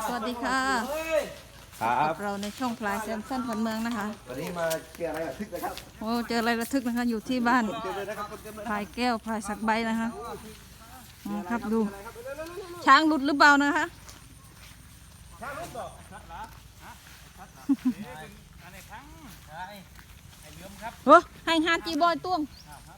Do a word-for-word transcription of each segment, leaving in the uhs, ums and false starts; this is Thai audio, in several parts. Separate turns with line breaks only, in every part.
สวัสดีค่ะครับเราในช่องพลายแซมสันผันเมืองนะคะ
วันนี้มาเจออะไรระทึกนะครับ
โอ้เจออะไรระทึกนะคะอยู่ที่บ้านพลายแก้วพลายสักใบนะคะครับดูช้างหลุดหรือเปล่านะคะโอ้ให้ฮาจีบอยตุ้ง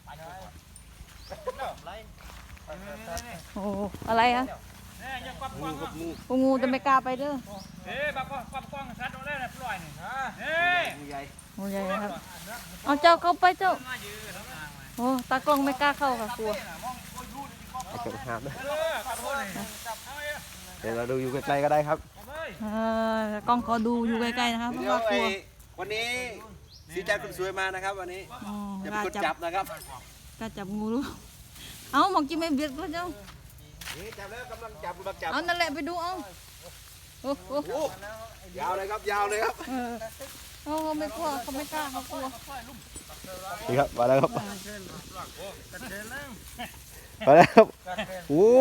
โอ้อะไรอะงูงูจะไม่กล้าไปเด้อเฮ้ยบักกล้องกล้องชัดตรงนี้นะปล่อยนี่เฮ้ยงูใหญ่งูใหญ่ครับเอาเจ้าเข้าไปเจ้าโอ้ตากล้องไม่กล้าเข้าค่ะกลัว
ไอ้เจ้าหาบนะเดี๋ยวเราดูอยู่ใกล้ๆก็ได้ครับ
กล้องขอดูอยู่ใกล้ๆนะครับเพราะว่ากลัว
วันนี้สีจันทร์คนสวยมานะครับวันนี้จะเป็นคนจับนะครับ
กล้าจับงูรู้เอามองกินไม่เบียดก็เจ้า
จับแล้วกำลังจับกำลังจับ
เอานั่นแหละไปดูเอาโอ้โห
ยาวเลยครับยาวเลยครับ
เขาไม่กลัวเขาไม่กล้าเขากลัว
นี่ครับมาแล้วครับมาแล้วครับโอ้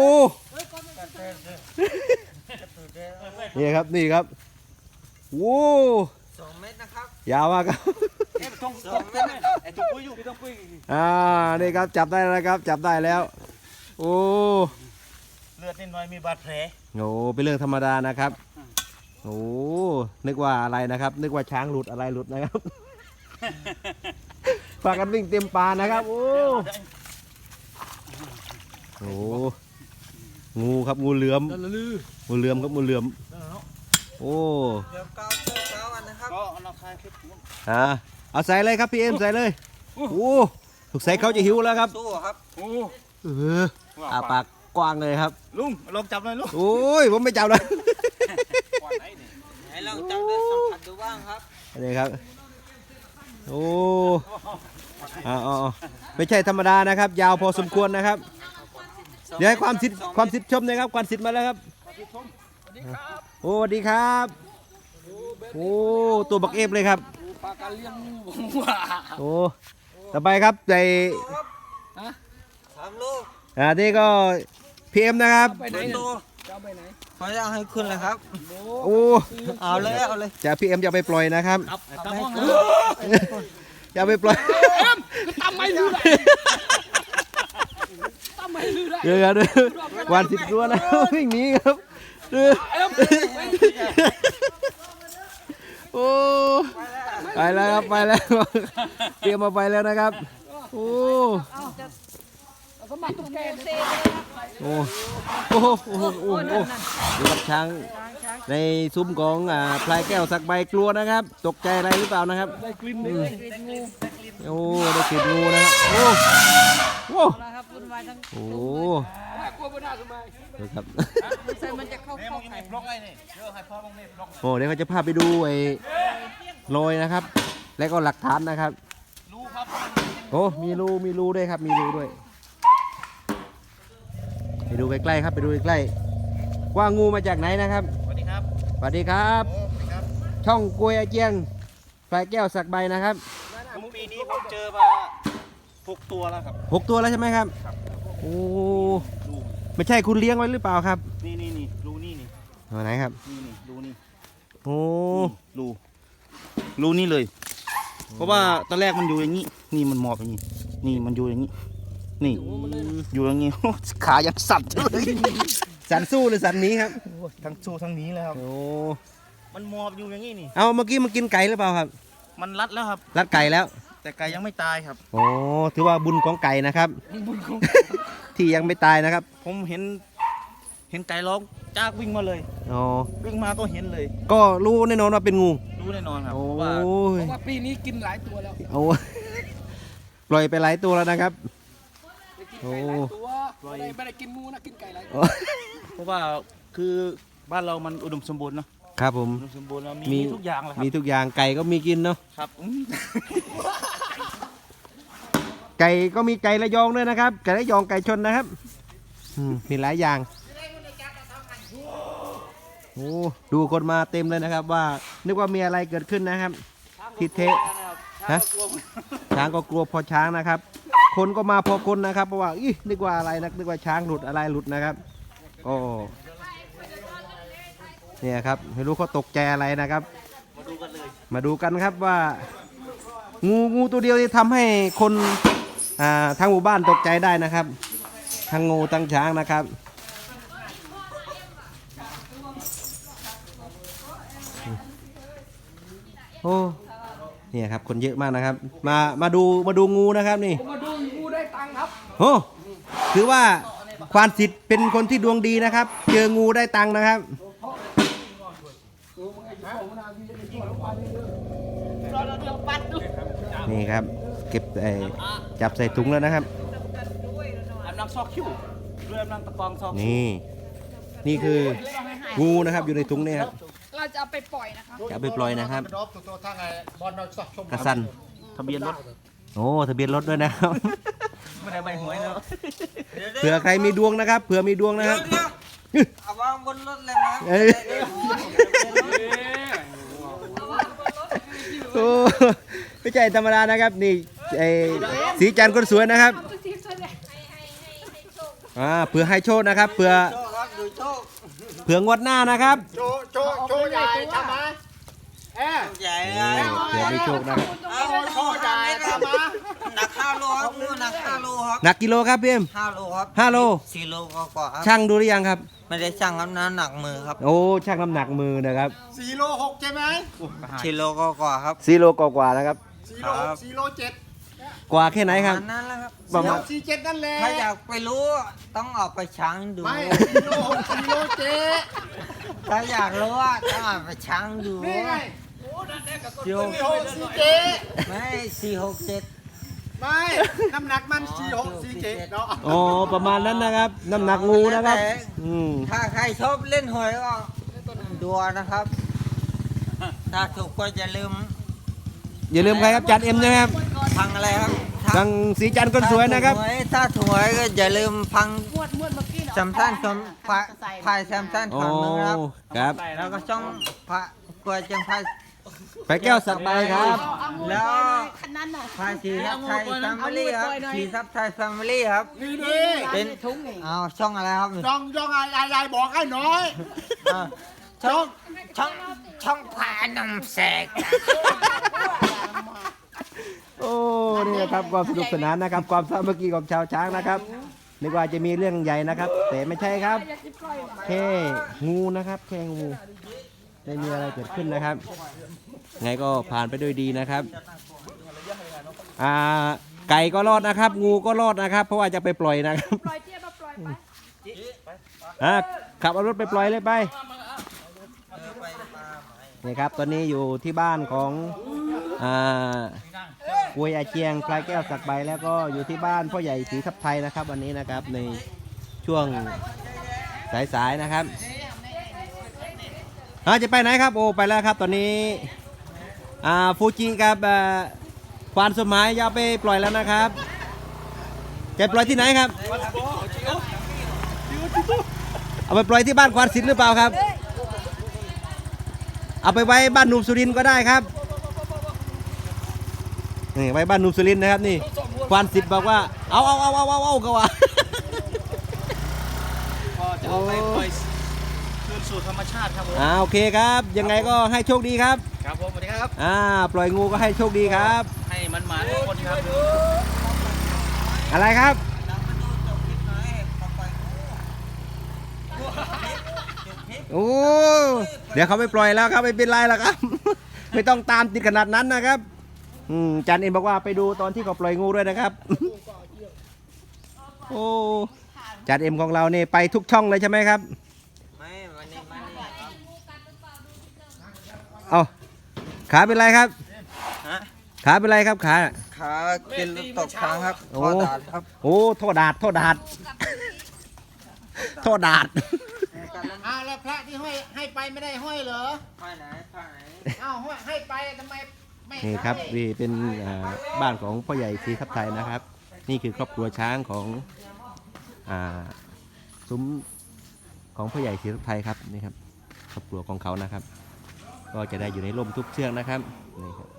นี่ครับนี่ครับโอ้
สองเมตรนะครับ
ยาวมากครับ
สองเมตรไอ้ตุ้งปุ้ยอยู่พี่ตุ้งปุ้ย
อ่านี่ครับจับได้แล้วครับจับได้แล้วโอ้
เลือดนิดหน่อยมีบาดแผล
โอ้เป็นเรื่องธรรมดานะครับโอ้นึกว่าอะไรนะครับนึกว่าช้างหลุดอะไรหลุดนะครับฝากกันวิ่งเต็มป่านะครับโอ้โหงูครับงูเหลือมงูเหลือมครับงูเหลือมโอ้
เดี๋ยวเก้าเก้าอันนะครับก็เอาคายคลิป
อ่าเอาใส่เลยครับพี่เอ็มใส่เลยโอ้ถูกใส่เขาจะหิวแล้วครับ
สู้ครับโอ้
เอออาปากกว้างเลยครับ
ลุงลองจับหน่อยลุง
โอ้ยผมไม่จับเลย
ให้ลองจับด้วยสัมผัสดูบ้างครับ
นี่ครับโอ้อ๋อไม่ใช่ธรรมดานะครับยาวพอสมควรนะครับเดี๋ยวให้ความสิทธิ์ความสิทธิ์ชมนะครับความสิทธิ์มาแล้วครับโอ้สวัสดีครับโอ้ตัวบักเอฟเลยครับ
ปลาการเลี้ยงงู
โอ้ต่อไปครับใน
สามลูก
อ่านี่ก็พีเอ็มนะครับ
ไปไหนจะไปไหนเขาจะให้ขึ้นเลยครับ
โอ้
เอาเลยเอาเลย
จะพีเอ็มจะไปปล่อยนะครับจะไปปล่อย
ทำไมลืมทำไมลืมได้
เดี๋ยวเดี๋ยววันสิบตัวนะวิ่งหนีครับโอ้ไปแล้วครับไปแล้วเตรียมมาไปแล้วนะครับโอ้โอ้โอ้โหโอ้โหโอ้โหดูกับช้างในซุ้มของอ่าพลายแก้วสักใบกลัวนะครับตกใจอะไรหรือเปล่านะครับ
ได้กลิ่นงู
โอ้ได้กลิ่นงูนะครับโอ้โหโอ้ดูครับโอ้เดี๋ยวเขาจะพาไปดูไอ้รอยนะครับแล้วก็หลักฐานนะครับโอ้มีรูมีรูด้วยครับมีรูด้วยไปดูใกล้ๆครับไปดูใกล้ๆว่างูมาจากไหนนะครับ
สวัสดีครับ
สวัสดีครับช่องกล้วยอาเจียงพลายแก้วสักใบนะครับ
ปีนี้ผมเจอมาหกตัวแล้วครับ
หกตัวแล้วใช่ไหมครับโอ้ไม่ใช่คุณเลี้ยงไว้หรือเปล่าครับ
นี่นี่นี่รูนี่นี่
ไหนครับ
นี่นี่รูนี่
โอ้
รูรูนี่เลยเพราะว่าตอนแรกมันอยู่อย่างนี้นี่มันหมอบอย่างนี้นี่มันอยู่อย่างนี้นี่อยู่อย่างนี้ขายังสั่นเลย
สั่นสู้หรือสั่นนี้ครับ
ทั้งสู้ทั้งนี้เลยครับ
โอ้
มันหมอบอยู่อย่างนี้นี่
เอาเมื่อกี้มันกินไก่หรือเปล่าครับ
มันรัดแล้วครับ
รัดไก่แล้ว
แต่ไก่ยังไม่ตายครับ
โอ้ถือว่าบุญของไก่นะครับบุญของที่ยังไม่ตายนะครับ
ผมเห็นเห็นไก่ร้องจากวิ่งมาเลย
อ๋อ
วิ่งมาก็เห็นเลย
ก็รู้แน่นอนว่าเป็นงู
รู้แน่นอนครับ
เพราะ
ว่าเพราะว่าปีนี้กินหลายตัวแล้ว
โอ้ปล่อยไปหลายตัวแล้วนะครับโอ้
ไม่ได้ไม่ได้กินงูนะกินไก่หลายตัวเพราะว่าคือบ้านเรามันอุดมสมบูรณ์เนาะ
ครับผม
อุดมสมบูรณ์แล้วมีทุกอย่างเลยครับ
มีทุกอย่างไก่ก็มีกินเนาะ
ครับ
ไก่ก็มีไก่ระยองด้วยนะครับไก่ระยองไก่ชนนะครับมีหลายอย่างโอ้ดูคนมาเต็มเลยนะครับว่านึกว่ามีอะไรเกิดขึ้นนะครับทิเทะฮะช้างก็กลัวพอช้างนะครับคนก็มาพอคนนะครับเพราะว่าอีนึกว่าอะไรนะนึกว่าช้างหลุดอะไรหลุดนะครับก็เนี่ยครับไม่รู้เขาตกใจอะไรนะครับ
มาดูกันเลย
มาดูกันครับว่า งูงูตัวเดียวที่ทำให้คนอ่าทางหมู่บ้านตกใจได้นะครับทั้งงูทั้งช้างนะครับโอ้เนี่ยครับคนเยอะมากนะครับ มามาดูมาดูงูนะครับนี่มาดูงูได้ตังค์ครับโอ้ถือว่าควานสิทธิ์เป็นคนที่ดวงดีนะครับ เจองูได้ตังค์นะครับนี่ครับเก็บไอ้จับใส่ถุงแล้วนะครับ
อันนังซอกคิ้วเรือนังตะกองซอก
นี่นี่คืองูนะครับอยู่ในถุงนี่ครับ
เราจะเอาไปปล่อยนะคะ
จะเอาไปปล่อยนะครับ
ตัวทางไงบอลเราชอบชม
กระสัน
ทะเบียนรถ
โอ้ทะเบียนรถด้วยนะครับ
ไม่ได้ใบหวยเนาะ
เผื่อใครมีดวงนะครับเผื่อมีดวงนะครับ
เอาวางบนรถเลยนะ
เอ้ยโอ้ไม่ใช่ธรรมดานะครับนี่ไอ้สีจันทร์คนสวยนะครับอ่าเผื่อให้โชคนะครับเผื่อ
โชคครับดูโชค
เผื่องวดหน้านะครับ
โชว์โชว์โชว์ใหญ่ทำมาเอ๊ะ
ใหญ่
นี่เผื่อมีโชคนะครับ
เอาโชคใหญ่ทำมาหนักห้าโลครับงูหนักห้าโลครับ
หนักกิโลครับพี่เอ็ม
ห้าโลครับ
ห้าโล
สี่โลกว่าๆครับ
ช่างดูหรือยังครับ
ไม่ได้ช่างครับน้ำหนักมือครับ
โอ้ช่างน้ำหนักมือนะครับ
สี่โลหกใช่ไหม
สี่โลกว่าๆครับ
สี่โลกว่าๆนะครับ
สี่โลหกสี่โลเจ็ด
กว่าแค่ไหนครับ
อันนั้นแหละครับ
ประมาณ
สี่เจ็ดนั่นแหละ
ถ้าอยากไปรู้ต้องออกไปช้างดู
ไม่สี่โลหกสี่โลเจ็ด
ถ้าอยากรู้ว่าต้องออกไปช้างดู
นี่ไง
สี่หก
สี่หกสี่เจ็ด
ไม่สี่หกเจ็ด
ไม่น้ำหนักมันสี่หกสี่เจ็ดเนาะ
อ๋อประมาณนั้นนะครับ น้ำหนักงูนะครับ อืม
ถ้าใครชอบเล่นหวยก็ดูนะครับ ถ้าถูกก็อย่าลืม
อย่าลืมใครครับจันเอ็มใช่ไหมครับ
พังอะไรครับ
ทางสีจันทร์คนสวยนะครับ
ถ้าถูกหวยก็อย่าลืมพัง
มวดมวดเมื่อกี้เนาะ
แซมซันชมพายพายแซมซัน
โอ้
ถอนมือครับ
ครับ
แล้วก็ช่องพระกลัวจังพาย
ไปแก้วสักใบครับ
แล้ว
คันนั้นน่ะ
พายสีทับไทยแฟมิลี่ครับสีทับไทยแฟมิลี่ครับ
นี่ดิ
เป็นเอาช่องอะไรครับ
ย่องย่องอะไรยายบอกให้น้อย
อ่าช่องช่องช่องพานมแสก
โอ้นี่นะครับความสนุกสนานนะครับ ความสามัคคีของชาวช้างนะครับนึกว่าจะมีเรื่องใหญ่นะครับ แต่ไม่ใช่ครับแค่งูนะครับแค่งูไม่มีอะไรเกิดขึ้นนะครับ ไงก็ผ่านไปด้วยดีนะครับอ่าไก่ก็รอดนะครับ งูก็รอดนะครับ เพราะว่าจะไปปล่อยนะครับ
ปล่อยเจี๊ยบมาปล่อยไป
อ่ะขับเอารถไปปล่อยเลยไปนี่ครับตอนนี้อยู่ที่บ้านของอ่ากุยอาเจียงปลายแก้วสักใบแล้วก็อยู่ที่บ้านพ่อใหญ่ศรีทับไทยนะครับ วันนี้นะครับในช่วงสายๆนะครับอ่าจะไปไหนครับโอ้ไปแล้วครับตอนนี้อ่าฟูจิกับอ่าควานสมัยจะเอาไปปล่อยแล้วนะครับจะปล่อยที่ไหนครับเอาไปปล่อยที่บ้านควานศิลป์หรือเปล่าครับเอาไปไว้บ้านหนุ่มสุรินทร์ก็ได้ครับนี่ไว้บ้านหนุ่มสุรินทร์นะครับนี่ควานศิลป์บอกว่าเอาเอาเอาเอาเอาเอาก็ว่า
ก็จะเอาไปปล่อยคืนสู่ธรรมชาติครับผม
อ่าโอเคครับยังไงก็ให้โชคดีครับ
ครับผมสวัสดีครับ
อ่าปล่อยงูก็ให้โชคดีครับ
ให้มันหมาทุกคนครับ
อะไรครับ
เรามาดูจบคลิปหน่อยต่อไป
โอ้เดี๋ยวเขาไปปล่อยแล้วครับไม่เป็นไรแล้วครับ ไม่ต้องตามติดขนาดนั้นนะครับอืมจันเอ็มบอกว่าไปดูตอนที่เขาปล่อยงูด้วยนะครับ โอ้จันเอ็มของเราเนี่ยไปทุกช่องเลยใช่ไหมครับ
ไม่วันนี้มันนี่ครับ
เอาขาเป็นไรครับ
ฮะ
ขาเป็นไรครับขา
ขากินลูกตกค้างครับ
โอ้
ข้อดาดครับ
โอ้โทษดาดโทษดาดโทษดาด
อ้าวแล้วพระที่ห้อยให้ไปไม่ได้ห้อยเหรอ
ข้อไหนข้อไหน
อ้าวห้อยให้ไปทำไมไม่
นี่ครับนี่เป็นอ่าบ้านของพ่อใหญ่ศรีทับไทยนะครับ นี่คือครอบครัวช้างของอ่าซุ้มของพ่อใหญ่ศรีทับไทยครับนี่ครับครอบครัวของเขานะครับ ก็จะได้อยู่ในร่มทุกเชือกนะครับนี่ครับ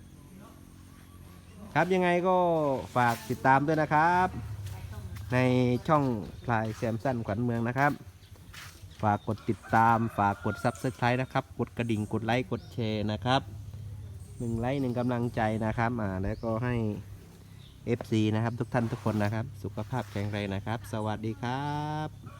ครับยังไงก็ฝากติดตามด้วยนะครับ ในช่องพลายแซมสันขวัญเมืองนะครับฝากกดติดตามฝากกด ซับสไครบ์ นะครับกดกระดิ่งกดไลค์กดแชร์นะครับหนึ่งไลค์หนึ่งกำลังใจนะครับอ่าแล้วก็ให้ เอฟ ซี นะครับทุกท่านทุกคนนะครับสุขภาพแข็งแรงนะครับสวัสดีครับ